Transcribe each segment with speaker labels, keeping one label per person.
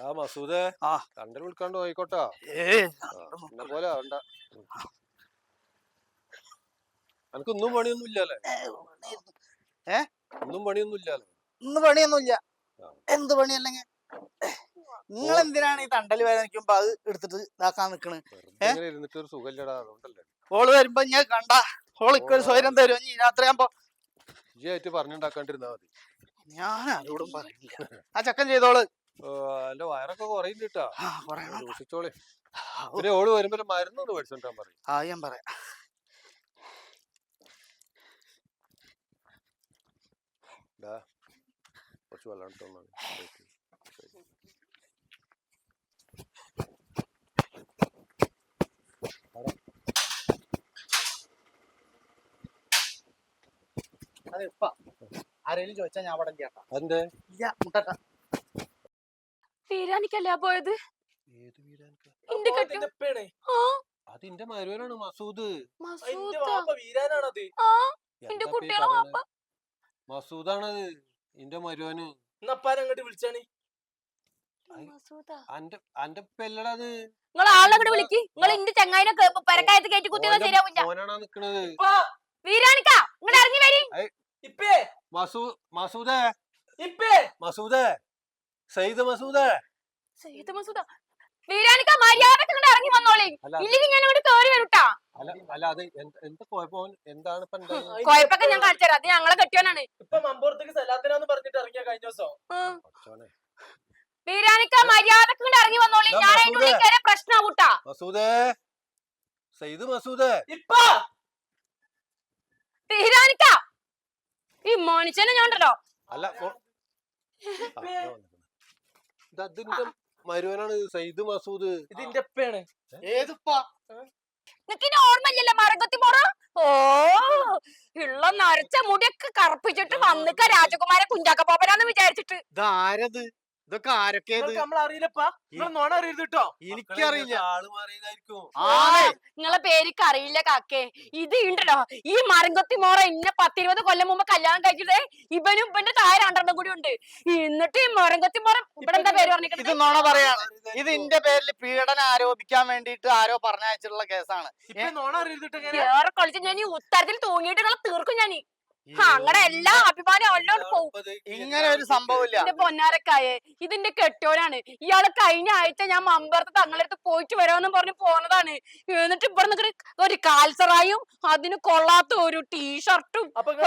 Speaker 1: മസൂദേ
Speaker 2: ആ
Speaker 1: കണ്ടൽ വിളിക്കാണ്ട് പോയിക്കോട്ടാ. എന്നെ പോലെ ആവണ്ട. അനക്കൊന്നും പണിയൊന്നും ഇല്ലല്ലേ? ഒന്നും പണിയൊന്നും ഇല്ലല്ലേ?
Speaker 2: ഇന്ന് പണിയൊന്നുമില്ല. എന്ത് പണിയല്ലെങ്കിൽ നിങ്ങൾ എന്തിനാണ് ഈ തണ്ടല് വേദനിക്കുമ്പോ അത് എടുത്തിട്ട് ഇതാക്കാൻ നിക്കണ്?
Speaker 1: ഇരുന്നിട്ട് ഒരു സുഖമില്ലടാ, അതുകൊണ്ടല്ലേ.
Speaker 2: ഓള് വരുമ്പോ ഞാൻ കണ്ട ഓൾക്ക് ഒരു സ്വയം തരും. ഇനി രാത്രിയാകുമ്പോ
Speaker 1: ഇജ്ജായിട്ട് പറഞ്ഞുണ്ടാക്കാണ്ടിരുന്നാ മതി.
Speaker 2: ഞാൻ ആരോടും പറയില്ല. ആ ചക്കൻ ചെയ്തോള്.
Speaker 1: എന്റെ വയറൊക്കെ കുറയുന്നിട്ടാ,
Speaker 2: പറയണം.
Speaker 1: സൂക്ഷിച്ചോളെ. പിന്നെ ഓള് വരുമ്പോ മരുന്നൊന്ന് മേടിച്ചോണ്ടാൻ പറയും.
Speaker 2: ഞാൻ പറയാം.
Speaker 1: കുറച്ച് വെള്ളം എടുത്തോന്നാണ്.
Speaker 2: അതെ ഇപ്പ ആരെങ്കിലും ചോദിച്ചാ ഞാൻ അവിടെ കേട്ടാ.
Speaker 1: അതെന്തേ?
Speaker 2: ഇല്ല മുട്ടട്ട.
Speaker 3: വീരാനിക്കല്ല പോയത്?
Speaker 1: ഏത് വീരാനിക്ക?
Speaker 3: അതിന്റെ
Speaker 1: മരുവനാണ് മസൂദ്. മസൂദാണത് ഇന്റെ മരുവന്.
Speaker 4: അങ്ങോട്ട് വിളിച്ചാണ്.
Speaker 1: അന്റെ പെല്ലടത്.
Speaker 3: നിങ്ങൾ ആളങ്ങോട്ട് വിളിക്ക്. നിങ്ങൾ ഇന്റെ ചങ്ങായിനെ പെരക്കായത്ത് കയറ്റി കുത്തിയൊന്നും ശരിയാവില്ല.
Speaker 1: മോനാണാ നിക്കണത്.
Speaker 3: വീരാനിക്ക ഇങ്ങോട്ട് ഇറങ്ങി വരി.
Speaker 1: മസൂദേ മസൂദേ സയ്യിദ് മസൂദേ.
Speaker 3: സയ്യിദ് മസൂദ. വീരാനിക്ക മര്യാദക്ക് ഇങ്ങോട്ട് ഇറങ്ങി വന്നോളി. ഇല്ലെങ്കിൽ ഞാൻ അങ്ങോട്ട് കേറി വരൂട്ടാ.
Speaker 1: അല്ല അത് എന്താ കുഴപ്പം? എന്താണ്
Speaker 3: കുഴപ്പൊക്കെ ഞാൻ കാണിച്ചു തരാം. അത് ഞങ്ങളെ കെട്ടിയോനാണ്.
Speaker 4: ഇപ്പൊ മമ്പൂറത്തേക്ക് സലാത്തിനാന്ന് പറഞ്ഞിട്ട് ഇറങ്ങിയ കഴിഞ്ഞ ദിവസം.
Speaker 3: വീരാനിക്ക മര്യാദക്ക് ഇങ്ങോട്ട് ഇറങ്ങി വന്നോളി. ഞാൻ അതിന്റെ ഉള്ളിൽ കയറിയ പ്രശ്നമാവൂട്ടാ.
Speaker 1: മസൂദേ സയ്യിദ് മസൂദേ.
Speaker 3: വീരാനിക്ക ഈ മോനിച്ചനെ ഞാൻ ഉണ്ടല്ലോ.
Speaker 1: അല്ല മരുവനാണ് സയ്യിദ് മസൂദ്.
Speaker 4: ഇതിന്റെ ഉപ്പയാണ്.
Speaker 2: ഏതുപ്പാ?
Speaker 3: നിനക്കിന്റെ ഓർമ്മയില്ലല്ലോ മരകത്തി മോറ? ഓ ഉള്ള നരച്ച മുടിയൊക്കെ കറുപ്പിച്ചിട്ട് വന്നിക്ക രാജകുമാര കുഞ്ചാക്ക പോപ്പനാന്ന് വിചാരിച്ചിട്ട്.
Speaker 2: ഇതാരത്? ഇതൊക്കെ ആരൊക്കെ?
Speaker 4: നമ്മളറിയില്ലപ്പാ. നോണ അറിയരുത് കേട്ടോ.
Speaker 2: എനിക്കറിയില്ല.
Speaker 3: നിങ്ങളെ പേരിക്ക് അറിയില്ല കാക്കേ. ഇത് ഉണ്ടല്ലോ ഈ മരംകൊത്തി മോറ ഇന്നെ 10-20 കൊല്ലം മുമ്പ് കല്യാണം കഴിച്ചിട്ട് ഇവനും ഇവന്റെ താഴെ 2 കൂടി ഉണ്ട്. എന്നിട്ട് ഈ മരംകൊത്തി മോറ ഇവിടെ എന്താ പേര് പറഞ്ഞിട്ട്?
Speaker 2: ഇത് നോണ പറയാണ്. ഇത് ഇന്റെ പേരിൽ പീഡനം ആരോപിക്കാൻ വേണ്ടിട്ട് ആരോ പറഞ്ഞയച്ചിട്ടുള്ള കേസാണ്.
Speaker 4: നോണ അറിയരുത്.
Speaker 3: ഏറെ കളിച്ച് ഞാൻ ഈ ഉത്തരത്തിൽ തൂങ്ങിയിട്ട് നിങ്ങളെ തീർക്കും ഞാൻ. അങ്ങനെ എല്ലാ അഭിമാനം എല്ലാം പോവും.
Speaker 2: ഇങ്ങനെ ഒരു സംഭവമില്ല.
Speaker 3: എന്റെ പൊന്നാരക്കായെ ഇതിന്റെ കെട്ടോനാണ്. ഇയാള് കഴിഞ്ഞ ആഴ്ച ഞാൻ മമ്പറത്ത് തങ്ങളടുത്ത് പോയിട്ട് വരാമെന്നും പറഞ്ഞ് പോന്നതാണ്. എന്നിട്ട് ഇവിടെ നിൽക്കുന്ന ഒരു കാൽസറായും അതിന് കൊള്ളാത്ത ഒരു ടീഷർട്ടും.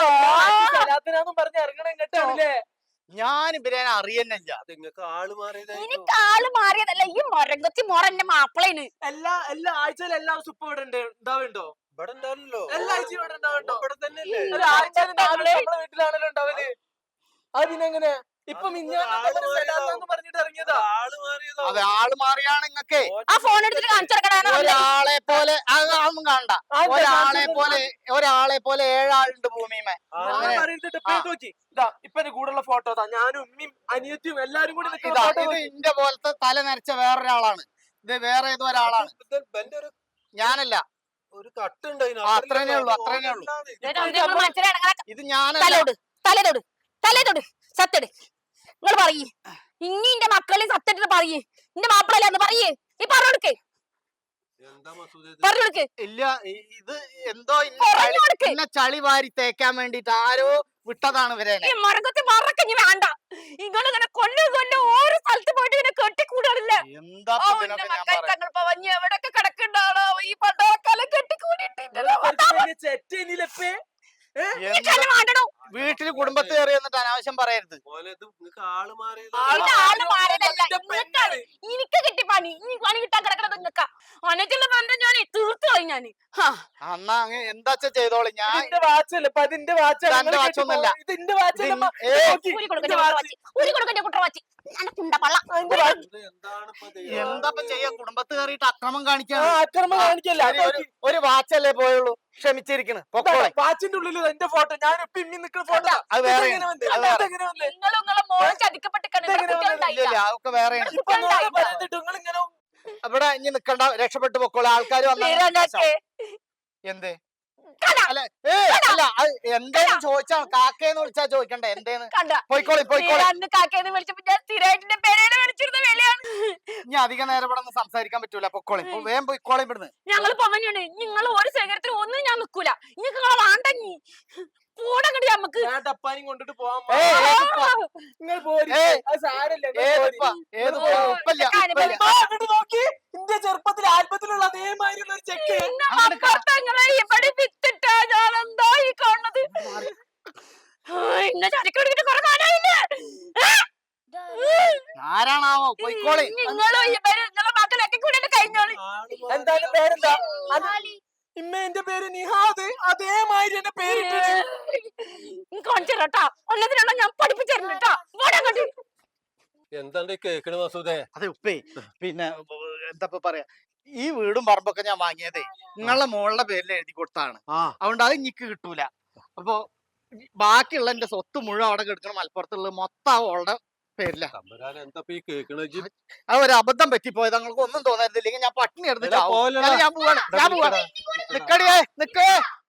Speaker 2: ഞാൻ ഇവരെ അറിയുന്നില്ല.
Speaker 1: എനിക്ക് ആള്
Speaker 3: മാറിയതല്ല. ഈ മൊരങ്ങത്തി മോറ എന്റെ മാപ്പിളേന്.
Speaker 4: എല്ലാ ആഴ്ചയിലും എല്ലാ സൂപ്പ് ഇവിടെ ഉണ്ടാവുണ്ടോ?
Speaker 1: ഇവിടെ ഉണ്ടാവില്ലല്ലോ.
Speaker 4: എല്ലാ ആഴ്ചയും ഇവിടെ ഉണ്ടാവുണ്ടോ?
Speaker 1: ഇവിടെ തന്നെ
Speaker 4: വീട്ടിലാണല്ലോ ഉണ്ടാവല്. അതിനെങ്ങനെ ഇപ്പൊ പറഞ്ഞിട്ട് ഇറങ്ങിയതാ?
Speaker 2: അതെ ആള് മാറിയാണ് നിങ്ങക്ക്.
Speaker 3: ആ ഫോൺ എടുത്തിട്ട് കാണിച്ചെടുക്കണ.
Speaker 2: ഒരാളെ പോലെ അതൊന്നും കാണണ്ട. ഒരാളെ പോലെ 7 ആളുണ്ട് ഭൂമിമേ.
Speaker 4: ഇപ്പൊ കൂടുള്ള ഫോട്ടോ ഞാനും ഉമ്മയും അനിയത്തിയും എല്ലാരും കൂടി
Speaker 2: ഇത് ഇന്റെ പോലത്തെ തല നരച്ച വേറൊരാളാണ്. ഇത് വേറെ ഏതോ ഒരാളാണ്. ഞാനല്ല.
Speaker 1: ഒരു കട്ടുണ്ട്.
Speaker 2: അത്രേനേ ഉള്ളൂ. ഇത് ഞാൻ
Speaker 3: തലേതൊട് സത്തെട്. നിങ്ങൾ പറയ്. ഇനി എന്റെ മക്കളെ സത്തെടുത്ത് പറയ്. എന്റെ മാപ്പിളല്ലാന്ന് പറയേ. ഈ പറഞ്ഞോടുക്കേ.
Speaker 2: ഇല്ല ഇത് എന്തോ ഇന്നെ ചളി വാരി തേക്കാൻ വേണ്ടിട്ട് ആരോ വിട്ടതാണ് ഇവരെ.
Speaker 3: ഈ മരകത്തി മറക്കഞ്ഞി വേണ്ട. ഇങ്ങനെ കൊല്ലു ഓരോ സ്ഥലത്ത് പോയിട്ട് ഇങ്ങനെ കെട്ടിക്കൂടാറില്ല.
Speaker 2: എന്താ
Speaker 3: തങ്ങൾ പവഞ്ഞ് എവിടെയൊക്കെ കിടക്കണ്ടാണോ ഈ പണ്ടാക്കാലം കെട്ടിക്കൂടിയിട്ടില്ലല്ലോ.
Speaker 2: വീട്ടില് കുടുംബത്തിൽ കയറി എന്നിട്ട് അനാവശ്യം പറയരുത്.
Speaker 3: എനിക്ക് കിട്ടി പണി. ഈ പണി കിട്ടാൻ കിടക്കണത് നിങ്ങൾക്കാ. അനച്ചുള്ള ബന്ധം ഞാൻ തീർത്തു കഴിഞ്ഞാന്.
Speaker 2: അന്നാ എന്താ ചെയ്തോളി. ഞാൻ എന്താ ചെയ്യാ? കുടുംബത്ത് കയറിയിട്ട് അക്രമം കാണിക്കല്ല. ഒരു വാച്ചല്ലേ പോയുള്ളൂ. ക്ഷമിച്ചിരിക്കണ്.
Speaker 4: വാച്ചിന്റെ ഉള്ളിൽ എന്റെ ഫോട്ടോ ഞാൻ നിൽക്കുന്ന ഫോട്ടോ
Speaker 2: അത് വേറെ. അതൊക്കെ വേറെ. ഇവിടെ ഇനി നിക്കണ്ട. രക്ഷപ്പെട്ടു പൊക്കോളൂ. ആൾക്കാർ വന്ന എന്ത് അല്ല എന്തേലും ചോദിച്ചാണ് കാക്കേന്ന് വിളിച്ചാ ചോദിക്കണ്ടേ എന്തേന്ന്
Speaker 3: കണ്ട
Speaker 2: പോയിക്കോളി പോയിക്കോളി
Speaker 3: അന്ന് കാക്കേന്ന് വിളിച്ചപ്പോ ഞാൻ സ്ഥിരമായിട്ട് എന്റെ പേരേനെ വിളിച്ചിരുന്ന വിലയാണ്.
Speaker 2: ഇനി അധികം നേരം ഇവിടെ ഒന്നും സംസാരിക്കാൻ പറ്റൂല പൊക്കോളി വേഗം പോയിക്കോളി ഇവിടുന്ന്.
Speaker 3: ഞങ്ങൾ പോവാനാണ്. നിങ്ങൾ ഒരു ശേഖരത്തിന് ഒന്നും ഞാൻ നിക്കൂല. നിങ്ങൾക്ക് നിങ്ങളെ വാണ്ടങ്ങി പോടങ്ങടി നമുക്ക്.
Speaker 4: ഞാൻ ടപ്പാനും കൊണ്ടിട്ട് പോവാൻ
Speaker 2: ഏയ്, ഏതിപ്പ?
Speaker 4: നിങ്ങൾ പോരി.
Speaker 2: ഏയ്,
Speaker 4: അത് സാരമില്ല, നിങ്ങൾ
Speaker 2: ഏതിപ്പ?
Speaker 4: പോരി.
Speaker 2: ഏത്
Speaker 3: ഓ,
Speaker 2: ഉപ്പല്ല,
Speaker 3: കാര്യം
Speaker 2: ഉപ്പല്ല.
Speaker 4: ആ, അങ്ങോട്ട് നോക്കി. ഇന്റെ ചെറുപ്പത്തിൽ ആൽബത്തിലുള്ള അതേമാതിരിയുള്ള ഒരു ചെക്ക്.
Speaker 3: പിന്നെ മമ്പുറത്തങ്ങളെ ഇവിടെ വിത്തിട്ടാ ഞാൻ എന്താ ഈ കാണുന്നത്? ഇന്ന ചരക്കെടുത്തിട്ട് കുറെ കാലായില്ലേ?
Speaker 2: ആരാണാവോ പോയിക്കോളി.
Speaker 3: നിങ്ങളോ നിങ്ങളെ മക്കളൊക്കെ കൂടെ കഴിഞ്ഞോളി.
Speaker 4: എന്താണ് പേരെന്താ? ഇമ്മ എന്റെ പേര് നിഹാദ്. അതേമാതിരി എന്റെ പേരിട്ടത്.
Speaker 3: കാണിച്ചേരാട്ടാ. ഒന്നതിനുള്ള ഞാൻ പഠിപ്പിച്ചിരുന്നിട്ടാ.
Speaker 1: എന്താണ്ട് കേക്കണ് മസൂദേ?
Speaker 2: അതെ ഉപ്പേ പിന്നെ എന്താ പറയാ ഈ വീടും പറമ്പൊക്കെ ഞാൻ വാങ്ങിയതേ നിങ്ങളുടെ മോളുടെ പേരിൽ എഴുതി കൊടുത്താണ്. അതുകൊണ്ട് അത് എനിക്ക് കിട്ടൂല. അപ്പൊ ബാക്കിയുള്ള എന്റെ സ്വത്ത് മുഴുവൻ അവിടെ കിടക്കണം. മലപ്പുറത്തുള്ളത് മൊത്തം അവളുടെ പേരില.
Speaker 1: തമ്പുരാൻ എന്താ ഈ കേക്കണ?
Speaker 2: അത് ഒരു അബദ്ധം പറ്റിപ്പോയത്. നിങ്ങൾക്ക് ഒന്നും തോന്നരുത്. ഇല്ലെങ്കിൽ ഞാൻ പട്ടിണി എടുത്ത്
Speaker 1: എടാ,
Speaker 2: ചാവും.
Speaker 1: പോലെടാ.
Speaker 2: ഞാൻ പോവാണ്. നിക്കടിയേ നിക്കേ.